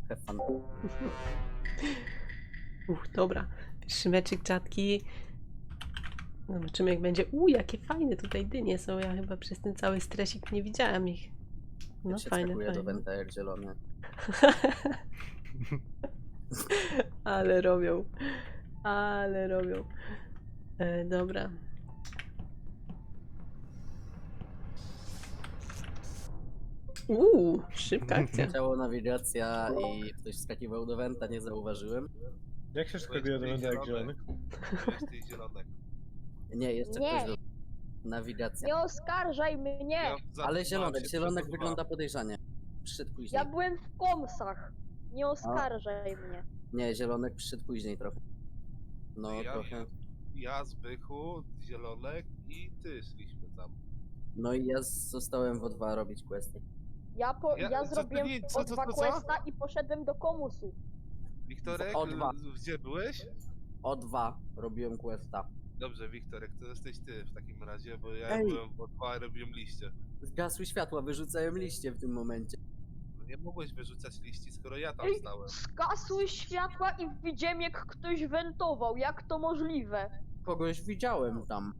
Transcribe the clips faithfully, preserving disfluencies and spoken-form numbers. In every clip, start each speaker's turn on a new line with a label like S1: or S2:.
S1: Have fun.
S2: Uch, dobra. Pierwszy meczyk czatki. Zobaczymy jak będzie. U, jakie fajne tutaj dynie są. Ja chyba przez ten cały stresik nie widziałam ich. No
S1: Jak się
S2: fajne,
S1: skakuje do
S2: fajne.
S1: Wenta jak zielony.
S2: Ale robią. Ale robią. E, dobra. Uuu, szybka akcja.
S1: Ciało, nawigacja i ktoś skakiwał do Wenta, nie zauważyłem.
S3: Jak się skakuje do Wenta jak zielony?
S4: Jesteś zielonek.
S1: Nie, jeszcze
S5: Nie.
S1: ktoś do... Nawigacja.
S5: Nie oskarżaj mnie!
S4: Ja
S1: Ale
S4: zatrzymałem
S1: zielonek,
S4: się
S1: zielonek
S4: przed
S1: wygląda podejrzanie. Przyszedł później.
S5: Ja byłem w komsach. Nie oskarżaj mnie.
S1: Nie, zielonek przyszedł później trochę. No
S4: Ja-
S1: trochę.
S4: Ja, Zbychu, Zielonek i ty szliśmy tam.
S1: No i ja zostałem w O dwa robić questy.
S5: Ja, po,
S4: Ja-
S5: ja,
S4: co-
S5: zrobiłem
S4: nie, co-
S5: o
S4: co-
S5: dwa
S4: co- co?
S5: questa i poszedłem do komusu.
S4: Wiktorek,
S1: O dwa.
S4: y, gdzie byłeś?
S1: O dwa robiłem questa.
S4: Dobrze, Wiktorek, to jesteś ty w takim razie, bo ja
S1: Ej.
S4: byłem w O dwa i robiłem liście.
S1: Zgasły światła, wyrzucałem liście w tym momencie.
S4: No nie mogłeś wyrzucać liści, skoro ja tam
S5: Ej,
S4: stałem.
S5: Zgasły światła i widziałem jak ktoś wentował. Jak to możliwe?
S1: Kogoś widziałem tam.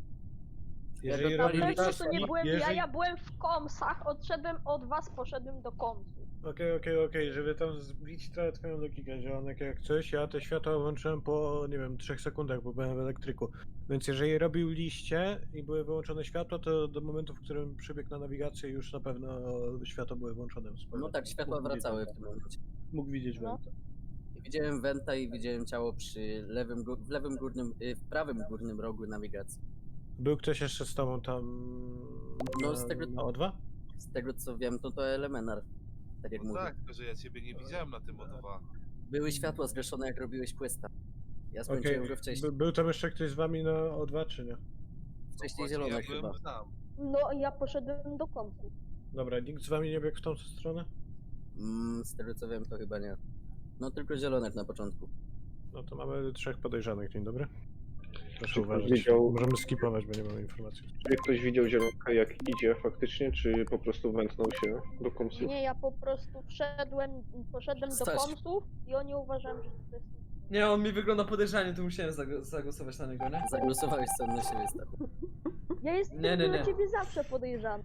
S3: Jeżeli
S1: Na
S5: Na
S1: Pali
S3: robisz
S5: pewno to
S3: taski,
S5: nie byłem ja,
S3: jeżeli...
S5: ja byłem w komsach, odszedłem od was, poszedłem do komsu.
S3: Okej, okej, okej, żeby tam zbić trochę twoją logikę, zielonek jak coś, ja te światła włączyłem po, nie wiem, trzech sekundach, bo byłem w elektryku. Więc jeżeli robił liście i były wyłączone światła, to do momentu, w którym przybiegł na nawigację, już na pewno światła były włączone. z
S1: No
S3: powrotem.
S1: tak, światła
S3: Mógł widzieć
S1: wracały w
S3: Wenta.
S1: tym momencie.
S3: Mógł widzieć
S5: No.
S3: Wenta.
S1: Widziałem Wenta i widziałem ciało przy lewym, gó- w lewym górnym, y, w prawym górnym rogu nawigacji.
S3: Był ktoś jeszcze z tobą tam
S1: No,
S3: na,
S1: z tego-
S3: na O dwa?
S1: Z tego co wiem, to to Elemenar. Tak jak
S4: No
S1: mówię.
S4: tak, tylko że ja ciebie nie widziałem na tym O dwa.
S1: Były światła zgaszone jak robiłeś questa. Ja
S3: Okej,
S1: skończyłem go wcześniej.
S3: By, był tam jeszcze ktoś z wami na O dwa, czy nie?
S1: Wcześniej
S4: Właśnie
S1: zielonek
S4: ja
S1: chyba.
S4: byłem tam.
S5: No ja poszedłem do komsu.
S3: Dobra, nikt z wami nie biegł w tą stronę?
S1: Mm, z tego co wiem, to chyba nie. No tylko zielonek na początku.
S3: No to mamy trzech podejrzanych, dzień dobry. Proszę
S6: Czy ktoś
S3: uważać.
S6: widział-
S3: Możemy skipować, bo nie mamy informacji.
S6: Czy ktoś widział zielonka jak idzie faktycznie, czy po prostu wętnął się do komsów?
S5: Nie, ja po prostu wszedłem, poszedłem do
S1: Stać.
S5: komsów i oni uważają, że to jest...
S7: Nie, on mi wygląda podejrzanie, to musiałem zag- zagłosować na niego, nie?
S1: Zagłosowałeś sam na siebie, Stachu.
S5: Ja jestem
S7: Nie, nie,
S5: dla
S7: nie.
S5: ciebie zawsze podejrzany.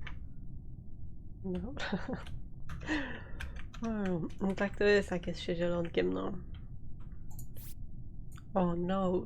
S2: Dobra. Hmm, no tak to jest, jak jest się zielonkiem, no. Oh no.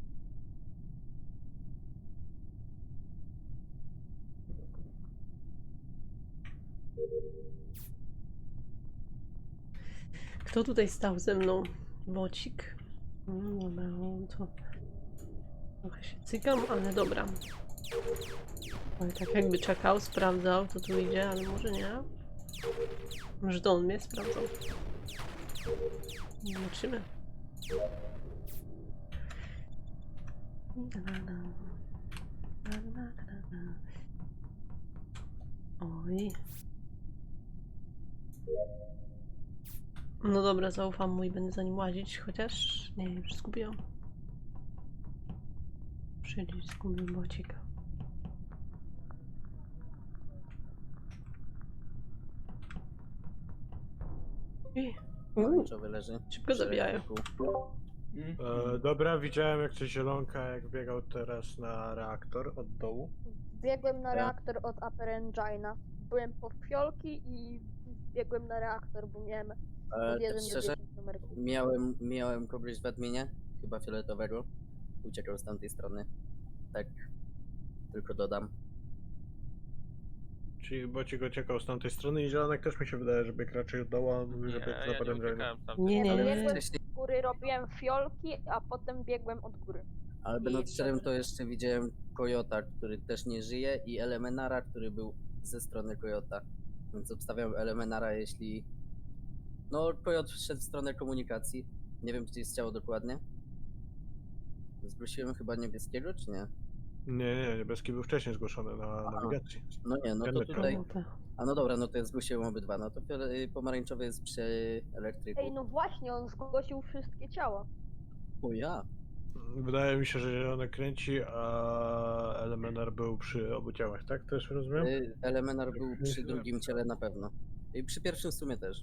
S2: Kto tutaj stał ze mną? Bocik. Mm, dobra, no to trochę się cykam, ale dobra. Ale tak jakby czekał, sprawdzał, co tu idzie, ale może nie. Może to on mnie sprawdzał. Zobaczymy. Oj. No dobra, zaufam mu i będę za nim łazić, chociaż... Nie, już zgubiłam. Przyjdzieć, zgubił bocika. I... Uuu,
S1: Pomarańczowy leży.
S2: szybko
S1: Przy
S2: zabijają.
S1: elektryku.
S7: Mm.
S3: E, dobra, widziałem jak coś zielonka, jak biegał teraz na reaktor od dołu.
S5: Biegłem na
S1: Ja.
S5: reaktor od Upper Engina. Byłem po fiolki i biegłem na reaktor, bo miałem
S1: E,
S5: od
S1: tak
S5: jeden do
S1: szczerze,
S5: dziesięć numerków.
S1: miałem, miałem kogoś w adminie, chyba fioletowego. Uciekał z tamtej strony. Tak, tylko dodam.
S3: Czyli Bocik uciekał z tamtej strony i zielonek też mi się wydaje, że biegł raczej od dołu, a on mówi, że biegł za potem
S2: Nie, nie,
S1: Ale
S2: nie.
S5: biegłem
S1: wcześniej,
S5: z góry, robiłem fiolki, a potem biegłem od góry.
S1: ale
S5: I
S1: będąc szczerym, to
S5: wszedłem.
S1: jeszcze widziałem Kojota, który też nie żyje i Elemenara, który był ze strony Kojota. Więc obstawiam Elemenara, jeśli... No, Kojot szedł w stronę komunikacji. Nie wiem, gdzie jest ciało dokładnie. Zgłosiłem chyba niebieskiego, czy nie?
S3: Nie, nie, niebieski był wcześniej zgłoszony na
S1: Aha.
S3: nawigacji.
S1: No nie, no to
S3: Wiadomo.
S1: tutaj...
S2: No to-
S1: A no dobra, no to ja zgłosiłem obydwa. No to fiole- y, pomarańczowy jest przy elektryku.
S5: Ej, no właśnie, on zgłosił wszystkie ciała.
S1: O ja.
S3: Wydaje mi się, że zielonek kręci, a Elemenar był przy obu ciałach, tak? Też rozumiem?
S1: Y, Elemenar był przy drugim ciele na pewno. I przy pierwszym w sumie też.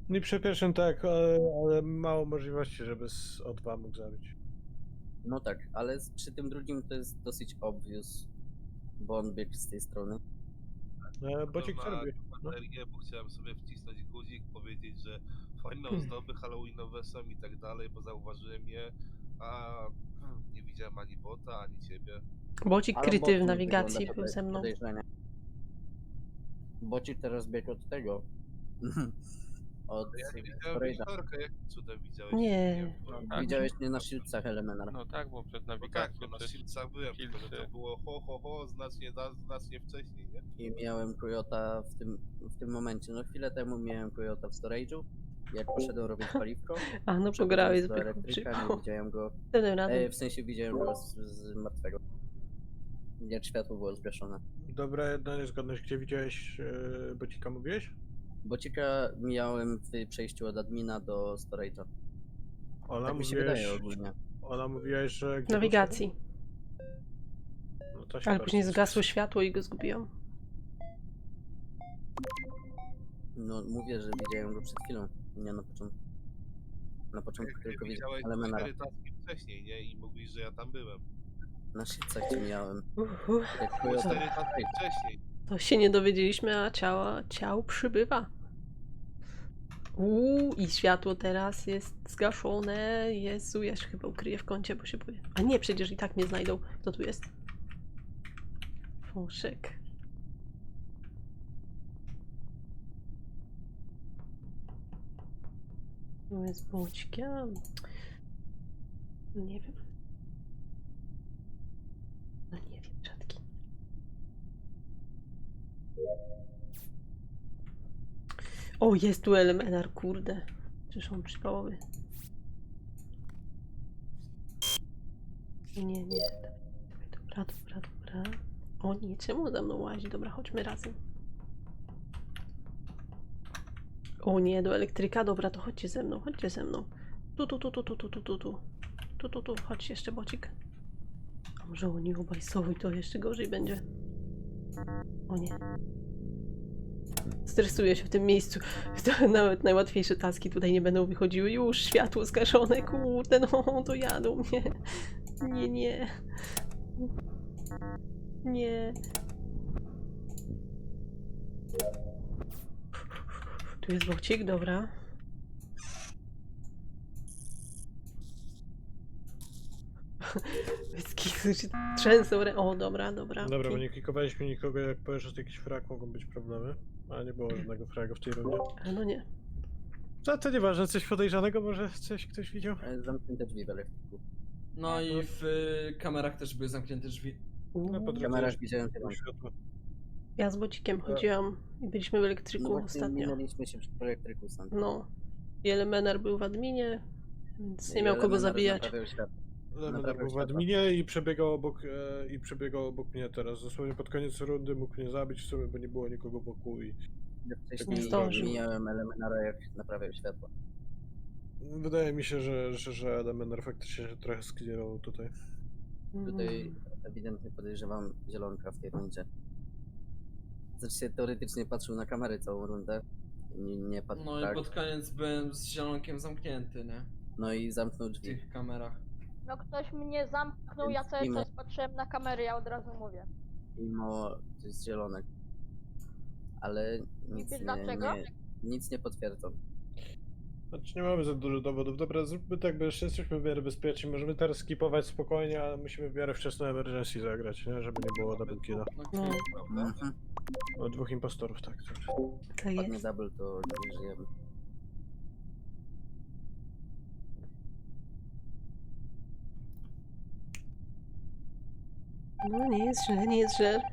S3: No i przy pierwszym tak, ale, ale mało możliwości, żeby z O dwa mógł zabić.
S1: No tak, ale z- przy tym drugim to jest dosyć obvious, bo on biegł z tej strony.
S3: E, Bocik co
S4: na
S3: robi? No.
S4: baterię, bo chciałem sobie wcisnąć guzik, powiedzieć, że fajne
S2: Hmm.
S4: ozdoby halloweenowe są i tak dalej, bo zauważyłem je, a hmm, nie widziałem ani bota, ani ciebie.
S2: Bocik
S1: Ale
S2: kryty
S1: bot
S2: w
S1: nie
S2: nawigacji
S1: wygląda
S2: był
S1: podej-
S2: ze mną.
S1: podejrzanie. Bocik teraz biegł od tego. Od
S4: Ja nie widziałem
S1: storage'a.
S4: Wiktorka, jak cudem widziałeś?
S2: Nie.
S4: No,
S1: Widziałeś mnie na shieldsach Elemenara.
S8: No tak, bo przed
S4: no tak,
S8: nawigacją
S4: bo na
S8: przecież
S4: Shieldsach byłem, tylko że to
S8: Shieldsy.
S4: było ho ho ho znacznie, da- znacznie wcześniej, nie?
S1: I miałem Coyota w tym, w tym momencie. No chwilę temu miałem Coyota w storage'u. Jak poszedłem robić paliwko,
S2: A no
S1: przechodząc
S2: pograłeś z
S1: do elektryka, nie
S2: bychu.
S1: widziałem go.
S2: Wtedy razem.
S1: E, w sensie widziałem go z, z martwego. Jak światło było zgaszone.
S3: Dobra, jedna niezgodność. Gdzie widziałeś e, Bocika, mówiłeś?
S1: Bocika mijałem w przejściu od admina do storage'a.
S3: Ola,
S1: Tak mi się
S3: mówiłeś,
S1: wydaje ogólnie.
S3: Ola, mówiłeś, że...
S2: W
S3: gdzie
S2: nawigacji.
S3: poszedł? No to się
S2: Ale
S3: bardzo
S2: później
S3: cieszę.
S2: zgasło światło i go zgubiłam.
S1: No mówię, że widziałem go przed chwilą. Nie na początku. Na początku
S4: Jak
S1: tylko
S4: widziałeś
S1: widziałem Elemenara.
S4: cztery taski wcześniej, nie? I mówisz, że ja tam byłem.
S1: Na shieldsach cię mijałem.
S2: Uff, uff.
S1: Jak
S4: Było
S1: Coyota...
S4: cztery taski wcześniej.
S2: To się nie dowiedzieliśmy, a ciała, ciał przybywa. Uuu, i światło teraz jest zgaszone. Jezu, ja się chyba ukryję w kącie, bo się boję. A nie, przecież i tak nie znajdą. Kto tu jest? Fąszek. Tu jest Boćka. Nie wiem. No nie wiem, rzadki. O, jest tu Elemenar, kurde. Czyż on przypałowy? Nie, nie. Dobra, dobra, dobra. O nie, czemu za mną łazi? Dobra, chodźmy razem. O nie, do elektryka. Dobra, to chodźcie ze mną, chodźcie ze mną. Tu, tu, tu, tu, tu, tu, tu, tu, tu. Tu, tu, tu, chodź jeszcze, Bocik. A może oni obaj są i to jeszcze gorzej będzie. O nie. Stresuję się w tym miejscu. To nawet najłatwiejsze taski tutaj nie będą wychodziły. Już światło zgaszone, kurde, no to jadą mnie. Nie, nie. Nie. Tu jest Bocik, dobra. Wyskisu się trzęsą. rę- O, dobra, dobra.
S3: Dobra, bo
S2: okej.
S3: nie klikowaliśmy nikogo, jak powiesz, że to jakiś frag, mogą być problemy. A nie było żadnego fraga w tej rundzie.
S2: A no nie.
S3: No to nieważne, coś podejrzanego, może coś ktoś widział?
S1: E, Zamknięte drzwi w elektryku.
S7: No i w y, kamerach też były zamknięte drzwi.
S3: No, po
S1: W
S3: drodze
S1: kamerach
S3: jest
S1: widziałem zielonkę.
S3: światło.
S2: Ja z Bocikiem chodziłam i byliśmy w
S1: No
S2: elektryku
S1: właśnie
S2: ostatnio.
S1: minęliśmy się przy elektryku sam.
S2: No. I Elemenar był w adminie, więc nie
S1: I
S2: miał kogo
S1: Elemenar
S2: zabijać.
S1: naprawiał światło.
S3: Elementar
S1: Naprawiał
S3: był w
S1: światła.
S3: adminie i przebiegał obok, e, i przebiegał obok mnie teraz. Dosłownie pod koniec rundy mógł mnie zabić w sumie, bo nie było nikogo wokół i
S1: Ja
S2: Nie
S1: wcześniej
S2: zdążył.
S1: mijałem Elemenara, jak naprawiał światło.
S3: wydaje mi się, że, że, że Elementar faktycznie się trochę sklirował tutaj.
S1: Tutaj
S2: Mm.
S1: ewidentnie podejrzewam zielonka w tej rundzie. Znaczy się teoretycznie patrzył na kamery całą rundę. Nie, nie patrzył
S7: No i
S1: tak.
S7: pod koniec byłem z zielonkiem zamknięty, nie?
S1: No i zamknął
S7: W
S1: drzwi.
S7: tych kamerach.
S5: No ktoś mnie zamknął, ja
S1: Więc
S5: cały
S1: mimo-
S5: czas patrzyłem na kamery, ja od razu mówię.
S1: Mimo, to jest zielonek. Ale nic
S5: wiesz
S1: nie,
S5: dlaczego?
S1: nie, nic nie potwierdzam.
S3: Znaczy nie mamy za dużo dowodów. Dobra, zróbmy tak, bo jeszcze jesteśmy w miarę bezpieczni. Możemy teraz skipować spokojnie, ale musimy w miarę wczesną emergency zagrać, nie? Żeby nie było double killa.
S7: No,
S2: No.
S7: prawda?
S1: Mhm.
S3: O dwóch impostorów, tak. tak.
S2: Tak
S1: Padnie
S2: jest.
S1: double, to nie żyjemy.
S2: No nie jest źle, nie jest źle.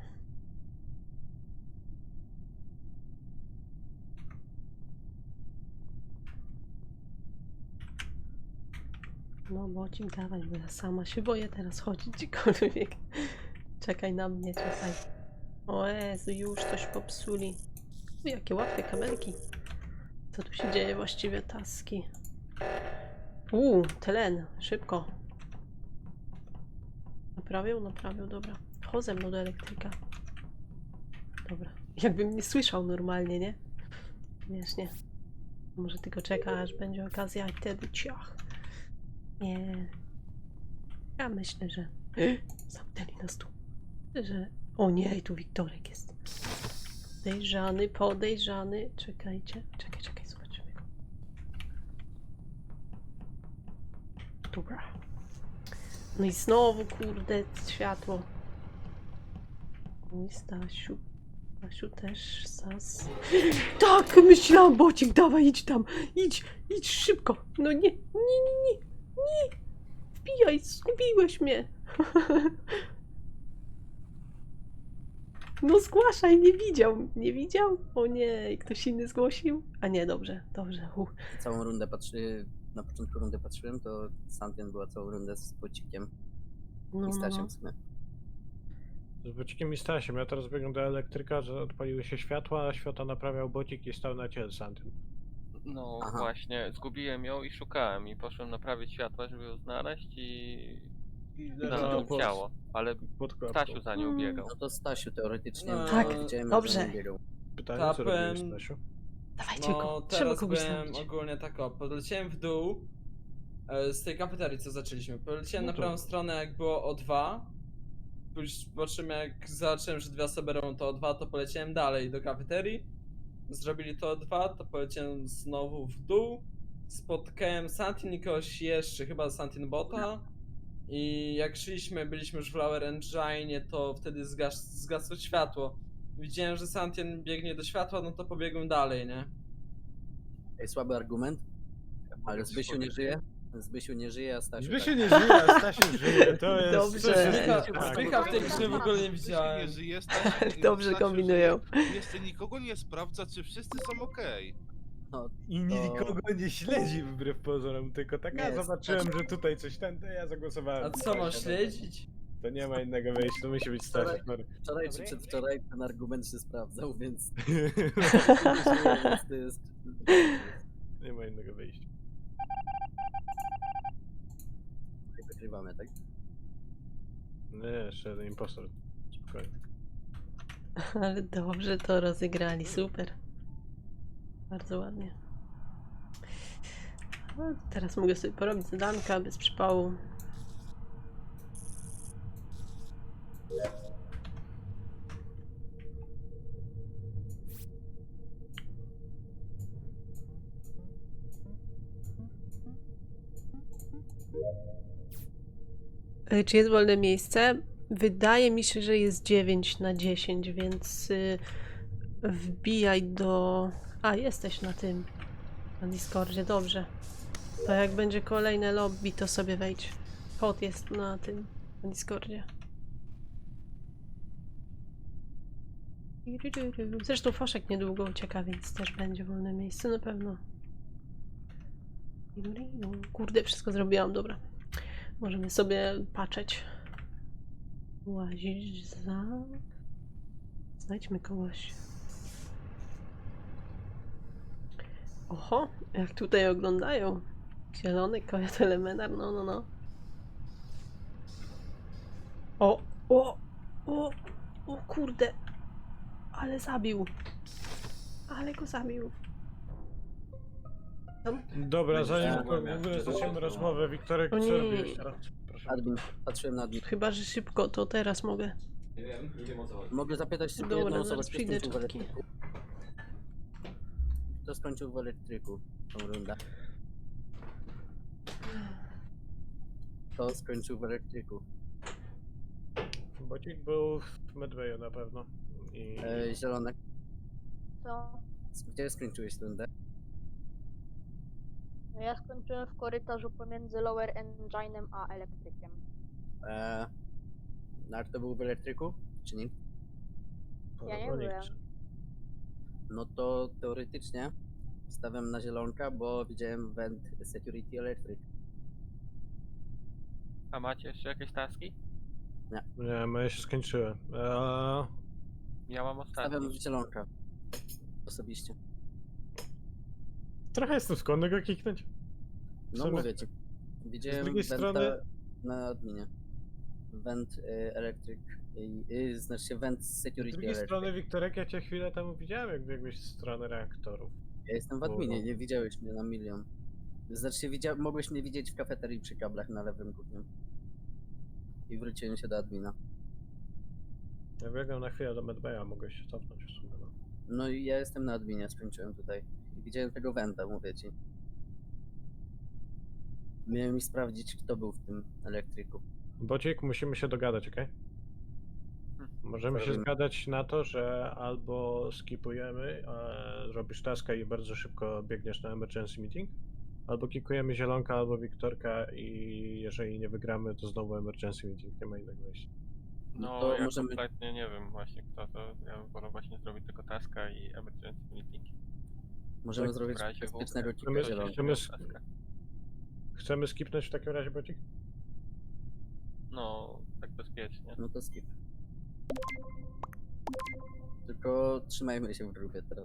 S2: No Bocik, dawaj, bo ja sama się boję teraz chodzić gdziekolwiek. Czekaj na mnie, czekaj. O Jezu, już coś popsuli. U, jakie łatwe kabelki. Co tu się dzieje właściwie, taski? Uuu, tlen, szybko. Naprawił, naprawił, dobra. Chodź ze mną do elektryka. Dobra. Jakbym nie słyszał normalnie, nie? Śmiesznie. Może tylko czeka, aż będzie okazja i wtedy ciach. Nie. Ja myślę, że... Zamknęli nas tu. Że... O nie, tu Wiktorek jest. Podejrzany, podejrzany. Czekajcie. Czekaj, czekaj, zobaczymy go. Dobra. No i znowu, kurde, światło. Mój Stasiu. Stasiu też, Sas. Tak, myślałam, Bocik, dawaj, idź tam. Idź, idź szybko. No nie, nie, nie, nie, nie. Wbijaj, zgubiłeś mnie. No zgłaszaj, nie widział, nie widział? O nie, ktoś inny zgłosił? A nie, dobrze, dobrze. Uh.
S1: Całą rundę patrzy... Na początku rundy patrzyłem, to Santien była całą rundę z Bocikiem
S2: No,
S1: i
S2: no,
S1: Stasiem
S2: no.
S1: w sumie.
S3: Z Bocikiem i Stasiem. Ja teraz biegłem do elektryka, że odpaliły się światła, a światła naprawiał Bocik i stał na ciele Santyn.
S8: No
S1: Aha.
S8: właśnie, zgubiłem ją i szukałem i poszłem naprawić światła, żeby ją znaleźć i
S3: I
S8: znalazłem
S3: pod-
S8: ciało, ale
S3: pod klapką.
S8: Stasiu za nią
S2: Mm.
S8: biegał.
S1: No to Stasiu teoretycznie,
S7: No,
S1: bo
S2: Tak,
S1: widziałem,
S2: dobrze.
S1: że on biegał.
S3: Pytanie, co
S7: Tapem-
S3: robiłeś, Stasiu?
S2: Dawajcie
S7: No
S2: go, trzeba
S7: teraz
S2: kogoś
S7: byłem
S2: znaleźć.
S7: ogólnie tak o, podleciałem w dół e, z tej kafeterii, co zaczęliśmy. Poleciałem
S3: No
S7: na
S3: to-
S7: prawą stronę, jak było O dwa. Później po czym jak zobaczyłem, że dwie osoby robią to O dwa, to poleciałem dalej do kafeterii. Zrobili to O dwa, to poleciałem znowu w dół. Spotkałem Santin i kogoś jeszcze, chyba Santin Bota. I jak szliśmy, byliśmy już w Lower Engine, to wtedy zgas zgasło światło. Widziałem, że Santin biegnie do światła, no to pobiegłem dalej, nie?
S1: Ej, słaby argument, ale
S4: Mogę
S1: Zbysiu
S4: coś
S1: nie
S4: powiedzieć?
S1: żyje. Zbysiu nie żyje, a Stasiu
S3: Zbysiu
S1: tak.
S3: nie żyje, a Stasiu żyje, to jest...
S2: Dobrze.
S3: coś-
S7: Spycha,
S3: tak.
S7: spycha w tej grze w ogóle nie
S4: Jeśli
S7: widziałem.
S4: nie żyje, Stasiu-
S2: Dobrze
S4: Stasiu
S2: kombinują.
S4: żyje, Jeszcze nikogo nie sprawdza, czy wszyscy są okej.
S1: No,
S3: I nikogo nie śledzi wbrew pozorom, tylko tak, a
S1: Nie,
S3: zobaczyłem,
S1: Stasiu-
S3: że tutaj coś ten, to ja zagłosowałem.
S7: A
S3: na
S7: co, masz
S3: Stasia.
S7: śledzić?
S3: To nie ma innego wyjścia, to musi być Stasiu. sorry.
S1: wczoraj czy przedwczoraj ten argument się sprawdzał, więc
S3: No.
S1: to jest...
S3: Nie ma innego wyjścia.
S1: Wygrywamy, tak?
S3: Nie, jeszcze jeden impostor. Spokojnie.
S2: Ale dobrze to rozegrali, super. Bardzo ładnie. No, teraz mogę sobie porobić zadanka bez przypału. E, Czy jest wolne miejsce? Wydaje mi się, że jest dziewięć na dziesięć, więc y, wbijaj do... A, jesteś na tym. Na Discordzie, dobrze. To jak będzie kolejne lobby, to sobie wejdź. Kod jest na tym, na Discordzie. Zresztą Foszek niedługo ucieka, więc też będzie wolne miejsce na pewno. Kurde, wszystko zrobiłam, dobra. Możemy sobie patrzeć. Łazić za... Znajdźmy kogoś. Oho, jak tutaj oglądają. Zielony kojot elementar, no, no, no. O, o, o, o kurde. Ale zabił. Ale go zabił. Tam?
S3: Dobra, zanim
S1: Ja
S3: w ogóle zaczniemy rozmowę, Wiktorek,
S2: O
S3: co
S2: nie.
S3: robiłeś teraz? Proszę.
S1: Admin, patrzyłem na admin.
S2: Chyba, że szybko, to teraz mogę.
S7: Nie wiem, nie wiem o co chodzi.
S1: Mogę zapytać tylko
S2: Dobra,
S1: jedną osobę,
S2: zaraz
S1: kto
S2: przyjdę,
S1: skończył w
S2: czapki.
S1: elektryku? Kto skończył w elektryku tą rundę? Kto skończył w elektryku?
S3: Bocik był w Medwayu na pewno. I...
S1: E, zielone.
S5: Co?
S1: Gdzie skończyłeś rundę?
S5: No ja skończyłem w korytarzu pomiędzy Lower Engine'em a elektrykiem.
S1: E, Nar to był w elektryku? Czy nie?
S5: Ja nie
S3: Bo nikt.
S5: byłem.
S1: No to teoretycznie stawiam na zielonka, bo widziałem vent security electric.
S8: A macie jeszcze jakieś taski?
S3: Nie, moje się skończyły. Eee,
S8: Ja mam
S1: Stawiam
S8: ostatni.
S1: w zielonka. Osobiście.
S3: trochę jestem skłonny go kiknąć. W
S1: No
S3: sumie-
S1: mówię ci. Widziałem
S3: drugiej
S1: venta
S3: strony-
S1: na adminie. Vent y, electric. Y, y, znaczy się vent
S3: Z
S1: security
S3: drugiej
S1: electric.
S3: strony, Wiktorek, ja cię chwilę temu widziałem, jak biegłeś w stronę reaktorów.
S1: Ja jestem w adminie, nie widziałeś mnie na milion. Znaczy, widzia... mogłeś mnie widzieć w kafeterii przy kablach na lewym górnym. I wróciłem się do admina.
S3: Ja biegłem na chwilę do medbaya, mogę się cofnąć w sumie. No.
S1: No i ja jestem na adminie, skończyłem tutaj. I widziałem tego Wenta, mówię ci. Miałem mi sprawdzić, kto był w tym elektryku.
S3: Bocik, musimy się dogadać, okej? Możemy się
S1: Zrobimy.
S3: zgadać na to, że albo skipujemy, e, robisz taska i bardzo szybko biegniesz na emergency meeting, albo kikujemy Zielonka albo Wiktorka i jeżeli nie wygramy, to znowu emergency meeting, nie ma innego wyjścia.
S8: No,
S1: to
S8: ja
S1: możemy-
S8: kompletnie nie wiem właśnie kto to. Ja bym wolał właśnie zrobić tylko taska i emergency meeting.
S1: Możemy
S3: Tak,
S1: zrobić
S8: w razie w
S1: bezpiecznego
S8: ogóle.
S1: kika
S3: My-
S1: zielonego.
S3: chcemy-
S8: Taska.
S3: Chcemy skipnąć w takim razie, Bocik?
S8: No, tak bezpiecznie.
S1: No to skip. Tylko trzymajmy się w grupie teraz.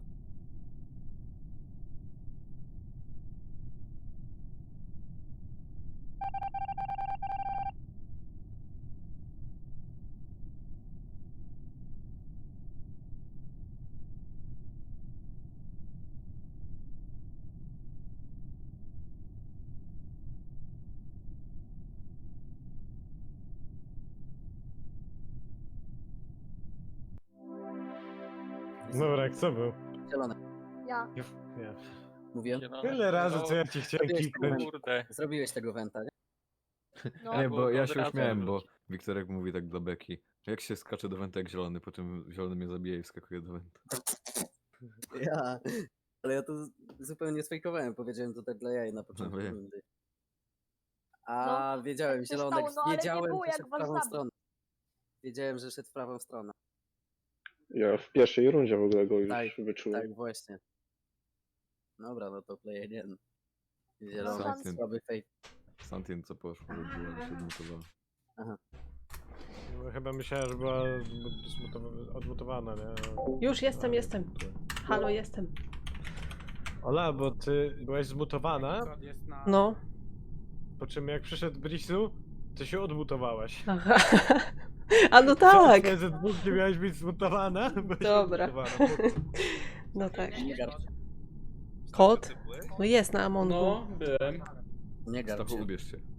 S3: Dobra, co był?
S1: Zielone.
S5: Ja.
S3: Nie. nie.
S1: Mówiłem?
S8: Zielone.
S3: Tyle razy,
S8: No,
S3: co ja ci chciałem
S1: Zrobiłeś
S3: kiknąć.
S8: Kurde.
S1: Zrobiłeś tego Wenta, nie?
S5: No.
S9: Nie,
S8: bo
S9: bo ja
S8: od
S9: się
S8: razu
S9: uśmiałem, bo
S8: wróci.
S9: Wiktorek mówi tak dla Beki. Jak się skacze do Wenta jak zielony, po czym zielony mnie zabije i wskakuje do Wenta.
S1: Ja. Ale ja to z- zupełnie sfejkowałem. Powiedziałem to tak dla jaj na początku
S9: wiem.
S1: rundy. A
S5: No,
S1: wiedziałem,
S5: tak się
S1: zielonek,
S5: stało, no ale nie
S1: wiedziałem,
S5: było
S1: że
S5: jak
S1: szedł w
S5: was
S1: prawą
S5: zabić.
S1: stronę. Wiedziałem, że szedł w prawą stronę.
S6: Ja w pierwszej rundzie w ogóle go już
S1: Tak,
S6: wyczułem.
S1: Tak, właśnie. Dobra, no to play again. Zielony,
S9: Santyn.
S1: słaby fake.
S9: Santien co poszło, robiła się odmutowała.
S3: No, chyba myślałem, że była zmutowa- odmutowana, nie?
S2: Już jestem,
S3: Ale-
S2: jestem. Halo, jestem.
S3: Ola, bo ty byłaś zmutowana,
S2: No.
S3: po czym jak przyszedł Brisu, to się odmutowałaś.
S2: Aha. A no tak.
S3: Że dwóch nie miałeś być zmutowana, bo się
S2: Dobra.
S3: odmutowana.
S2: No tak.
S1: Nie garć,
S2: Kot?
S4: Ty byłeś?
S2: No jest na Amongu.
S7: No, byłem.
S1: nie garć
S9: Stachu,
S1: się.
S9: ubierz się.